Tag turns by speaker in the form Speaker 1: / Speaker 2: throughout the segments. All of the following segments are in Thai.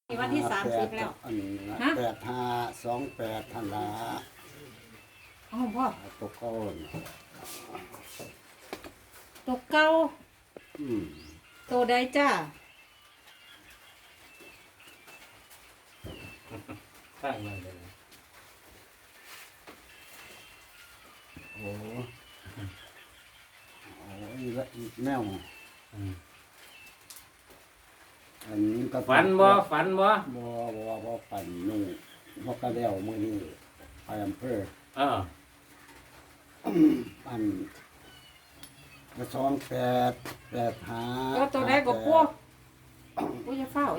Speaker 1: วันที่30แล้ว
Speaker 2: อันนี้นะ
Speaker 1: ฮะ
Speaker 2: 8528ธันวา
Speaker 1: อ๋อพ่อ
Speaker 2: ตกก้น
Speaker 1: ตัวเก่า
Speaker 2: อืม
Speaker 1: ตัวใดจ้า
Speaker 3: ตั้งมาเลย
Speaker 2: โอ้โอ้ยแมวอันนี้ก็
Speaker 3: ฝันบ่ฝันบ่
Speaker 2: บ่ฝันนู่นบ่กระเดี่ยวมื้อนี้ไปอำเภอ
Speaker 3: เออ
Speaker 2: อันกระ2885
Speaker 1: ตัวใดก็พวกอุ้ยอย่าเฝ้า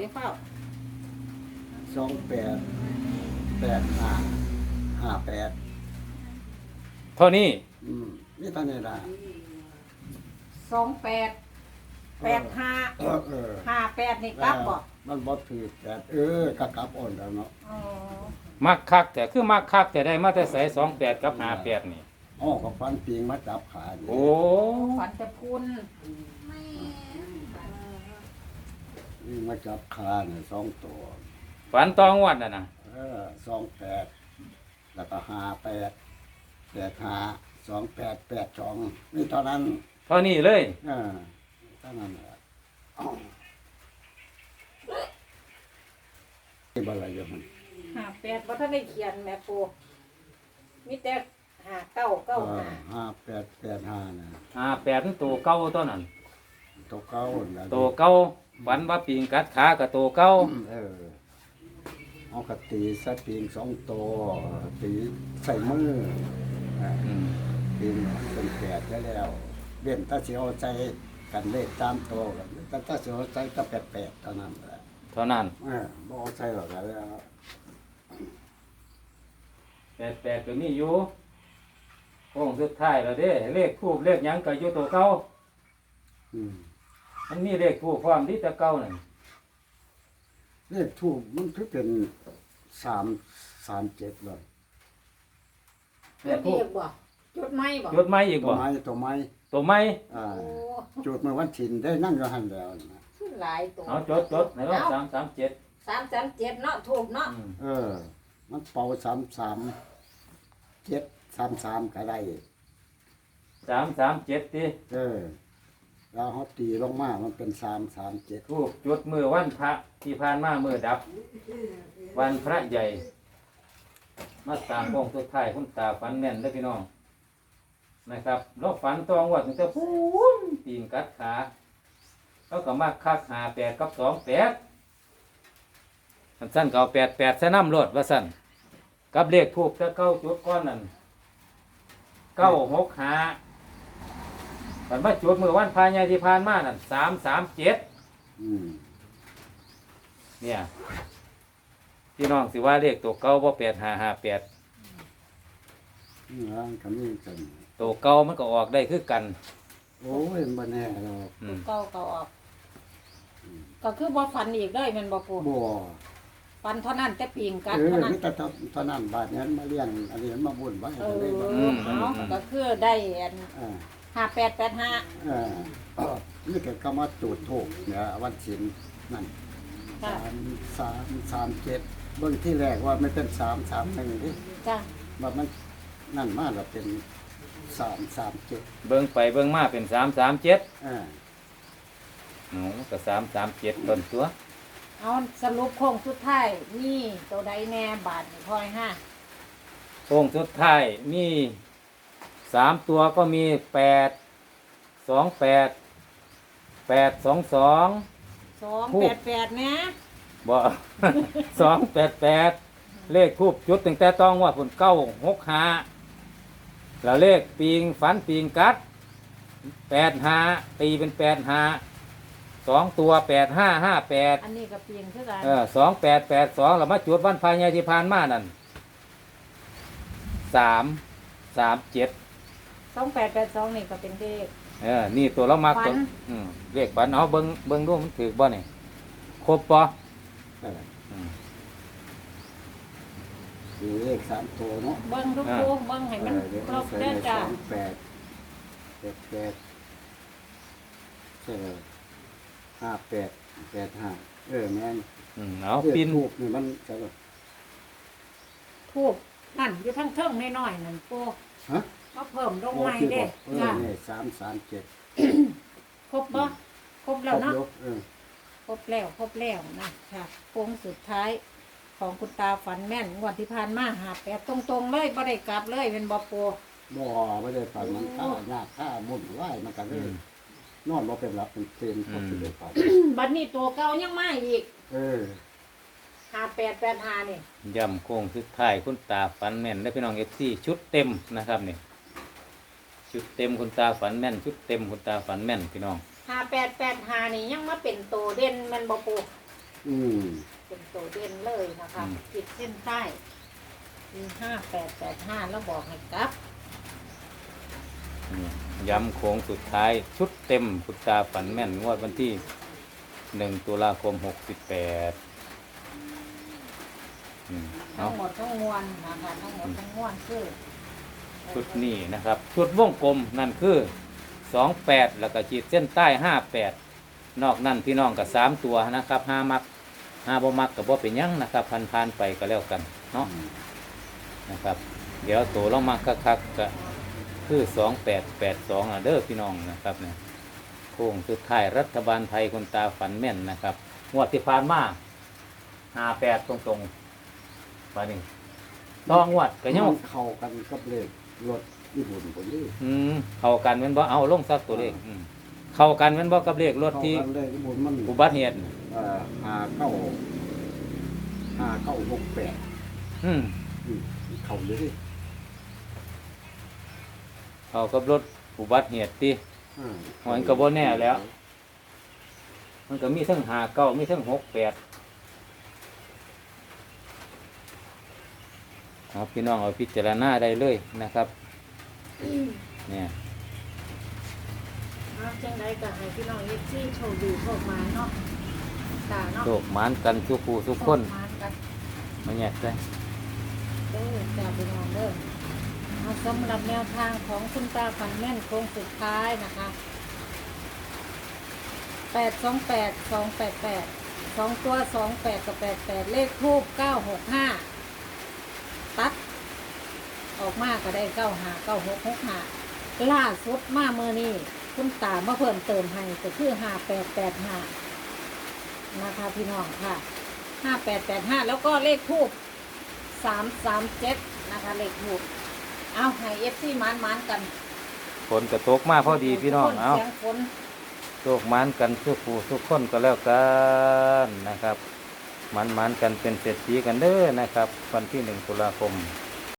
Speaker 2: 288558
Speaker 3: เท่านี้
Speaker 2: นี่ตอนนี้ล่ะ
Speaker 1: 2885 58นี่กลับบ่
Speaker 2: มันบ่ถือแต่ก็กลับอ่อนแล้วเนาะ
Speaker 1: อ๋อ
Speaker 3: มักคักแต่คือมักคักแต่ได้มาแต่ใส่28กับ58นี่
Speaker 2: อ๋อก็ฟันปิงมาจับขาอยู่
Speaker 3: โอ้
Speaker 1: ฝันแต่พุน
Speaker 2: นี่มาจับขาเนี่ย2ตัว
Speaker 3: ฝันตองวัดน่ะนะ
Speaker 2: 28แล้วก็58 852882นี่ตอนนั้น
Speaker 3: เท่านี้เลย
Speaker 2: ตอนนั้นแหละที่บ่อะไรอยู่มัน
Speaker 1: 58บ่ทันได้เขียนแม่ปูมีแต่5995
Speaker 2: 5885นะ
Speaker 3: 58มันตัวเก่าตัวนั้น
Speaker 2: ตัวเก่าน่ะ
Speaker 3: ตัวเก่าฝันว่าปิงกัดขากับตัวเก่า
Speaker 2: เอากระตีใส่ปีง2ตัวตีใส่มือ
Speaker 3: อืม
Speaker 2: ปีงเป็น8ได้แล้วเว้นถ้าสิเอาใจกันเลขตามตัวกันแต่ถ้าสิเอาใจก็88เท่านั้นแหละ
Speaker 3: เท่านั้น
Speaker 2: บ่เอาใจหรอกแล้ว
Speaker 3: 88ก็มีอยู่โค้งสุดท้ายแล้วเด้เลขทูปเลขหยังก็อยู่ตัวเก่า
Speaker 2: อืม
Speaker 3: มันมีเลขทูปพร้อมที่แต่เก่านั่น
Speaker 2: เลขทูปมันคือเป็น337เลย
Speaker 3: เลขทูป
Speaker 1: บ่จดไม้บ่
Speaker 3: จดไม้อีก
Speaker 2: ตัว
Speaker 3: บ่
Speaker 2: ไม้ตัวไม้
Speaker 3: ตัวไม้
Speaker 2: อ่า
Speaker 1: โอ้
Speaker 2: จุดเมื่อวันถินได้นั่งอยู่หั่นแล้วนะ
Speaker 1: คือหลายตัว
Speaker 3: เอาจดไหนว่า337
Speaker 1: 337เนาะถูกเนาะ
Speaker 2: มันเป่า33 ก็ได้
Speaker 3: 337ติ
Speaker 2: แล้วเขาตีลงมามันเป็น337
Speaker 3: ทูปจุดมือวันพระที่ผ่านมามือดับ วันพระใหญ่ มาตามโค้งสุดท้ายคุณตาฝันแม่นเด้อพี่น้องนะครับเราฝันตองว่าถึงจะพูนปีนกัดขาแล้วก็มาคัก58กับ28สั้นๆก็เอา88ใส่น้ำรถว่าสั้นกับเลขทูปจะเก้าจุดก้อนนั่น965ฝันว่าจุดมือวันพระใหญ่ที่ผ่านมานั่น337
Speaker 2: อืม
Speaker 3: เนี่ยพี่น้องสิว่าเลขตัวเก่าบ่8558
Speaker 2: นี่ร่างคำนี้กัน
Speaker 3: ตัวเก่ามันก็ออกได้คือกัน
Speaker 2: โอ้ยบ่แน่หรอก
Speaker 3: อืม
Speaker 1: เก่าก็ออก ก็คือบ่ฝันอีกเลยแมันบ่ปู
Speaker 2: บ่
Speaker 1: ฝันเท่านั้นแต่ปีงกัด
Speaker 2: เออ
Speaker 1: เท่านั้น
Speaker 2: มีแต่เท่านั้นบาดนี้มาเลี้ยงอันนี้มาบุญไว้
Speaker 1: เอ
Speaker 2: ก็เลยบ่
Speaker 1: อเอาก็คือได้อัน
Speaker 2: อ่า
Speaker 1: 5885
Speaker 2: นี่ก็ก็มาจุดถูกเนี่ยวันศีลนั่น
Speaker 1: ค่ะ
Speaker 2: 337เบิ่งที่แรกว่าไม่เป็น331ดิ
Speaker 1: จ้ะ
Speaker 2: ว่ามันนั่นมาแล้วเป็น337
Speaker 3: เบิ่งไปเบิ่งมาเป็น337 อ๋อก็337ต้นตัว
Speaker 1: เอาสรุปโค้งสุดท้ายนี่ตัวใดแน่บาทนี่พอยห้า
Speaker 3: โค้งสุดท้ายมี3ตัวก็มี828 822
Speaker 1: 288นะ
Speaker 3: บ่ 288 เลขทูบจุดตั้งแต่ต้องว่าผล965แล้วเลขปีงฝันปีงกัด85ตีเป็น85 2ตัว8558
Speaker 1: อันนี้ก็เปลี่ยนคือกัน
Speaker 3: 2882เรามาจุดวันพายใหญ่ที่ผ่านมานั่น337
Speaker 1: 2882นี่ก็เป็นเลข
Speaker 3: นี่ตัวเรามัก
Speaker 1: ฝั
Speaker 3: ตัวน เลขฝันเอาเบิ่งดูมันถือบ่นี่ครบบ่
Speaker 2: คือเลข3ตัวเนาะ
Speaker 1: เบิ่งทุกคู่เบิ่งให้มันครบเด้อจ้ะ
Speaker 2: 58 58 58 85แม่น
Speaker 3: เอา
Speaker 2: เลข
Speaker 3: ปิน
Speaker 2: ทูบนี่มันจะ
Speaker 1: ทูบนั่นอยู่ทั้งเทิงน้อยๆนั่นปู
Speaker 2: ฮะ
Speaker 1: มาเพิ่มลง
Speaker 2: โอ้
Speaker 1: ใหม่
Speaker 2: ที่
Speaker 1: เด้
Speaker 2: บอก
Speaker 1: จ้ะ
Speaker 2: นี่337
Speaker 1: ครบบ่ครบแล้วเนาะ
Speaker 2: เออ
Speaker 1: ครบแล้วนะค่ะโค้งสุดท้ายของคุณตาฝันแม่นงวดที่ผ่านมาหาแปดตรงๆเลยบ่ได้กลับเลยเป็นบ่ปู
Speaker 2: บ่ไม่ได้ฝันมันค่ายากค่ามุ่นไหวมันก็เลยนอนบ่เป็นหลับเป็นเต็มพอสิได้ฝัน
Speaker 1: บัดนี้ตัวเก่ายังมาอีก
Speaker 2: เออ
Speaker 1: 5885นี่
Speaker 3: ย่ำโค้งสุดท้ายคุณตาฝันแม่นได้อพี่น้องเอฟซีชุดเต็มนะครับนี่ชุดเต็มคุณตาฝันแม่น ชุดเต็มคุณตาฝันแม่นพี่น้อง
Speaker 1: 5885นี่ยังมาเป็นตัวเด่นแมันบ่ปู
Speaker 2: อืม
Speaker 1: เป็นตัวเด่นเลยนะคะขีดเส้นใต้มี5885แล้วบอกให้กลับ
Speaker 3: นี่ย้ำโค้งสุดท้ายชุดเต็มคุณตาฝันแม่นงวดวันที่1 ตุลาคม 68เอา
Speaker 1: ทั้งหมดทั้งมวลนะคะทั้งหมดทั้งมวลคือ
Speaker 3: ชุดนี้นะครับ ชุดวงกลมนั่นคือ28แล้วก็ขีดเส้นใต้58นอกนั้นพี่น้องกับ3ตัวนะครับ5มัก5บ่มักกับบ่เป็นหยังนะครับพันๆไปก็แล้วกันเนาะนะครับ เดี๋ยวตัวลงมาคักๆก็คือ2882เด้อพี่น้องนะครับเนี่ยโค้งสุดท้ายรัฐบาลไทยคนตาฝันแม่นนะครับงวดที่ผ่านมา58ตรงๆว่านี่ต้องงวดก็ยัง
Speaker 2: มันเข้ากันกับเลขรถญี่ปุ่นคนนี้
Speaker 3: เข้ากันแม่นบ่เอาลงซักตัวเลขเข้ากันแม่นบ่กับเลขรถ
Speaker 2: เข้า
Speaker 3: ที่
Speaker 2: กันเลขญี่ปุ่นมัน
Speaker 3: อุบัติเหตุ
Speaker 2: 5968
Speaker 3: อืม
Speaker 2: เข้าเลย
Speaker 3: เข้ากับรถอุบัติเหตุติ
Speaker 2: อ่า
Speaker 3: มันก็บ่แน่แล้ว มันก็มีทั้ง59มีทั้ง68เอาพี่น้องเอาพิจารณาได้เลยนะครับเนี่ย
Speaker 1: จังไดก็ให้พี่น้องเอฟซีโชคดีโชคมาเนาะตาเนาะ
Speaker 3: โชคหมานกันทุกผู้ทุกคน
Speaker 1: โชมานกัน
Speaker 3: มาแยกได้
Speaker 1: เด้อจ้าพี่น้องเด้อเอาสำหรับแนวทางของคุณตาฝันแม่นโค้งสุดท้ายนะคะ828288 2ตัว28กับ88เลขทูบ965ตัดออกมาก็ได้959665ล่าสุดมาเมื่อนี้คุณตามาเพิ่มเติมให้ก็คือ5885นะคะพี่น้องค่ะ5885แล้วก็เลขทูบ337นะคะเลขทูบเอาให้เอฟซีมันกัน
Speaker 3: ฝนกระตกมาพอดีพี่น้องเอา
Speaker 1: เสียงฝน
Speaker 3: โชคหมานกันทุกผู้ทุกคนก็แล้วกันนะครับหมานกันเป็นเศรษฐีกันเด้อนะครับ วันที่1 ตุลาคม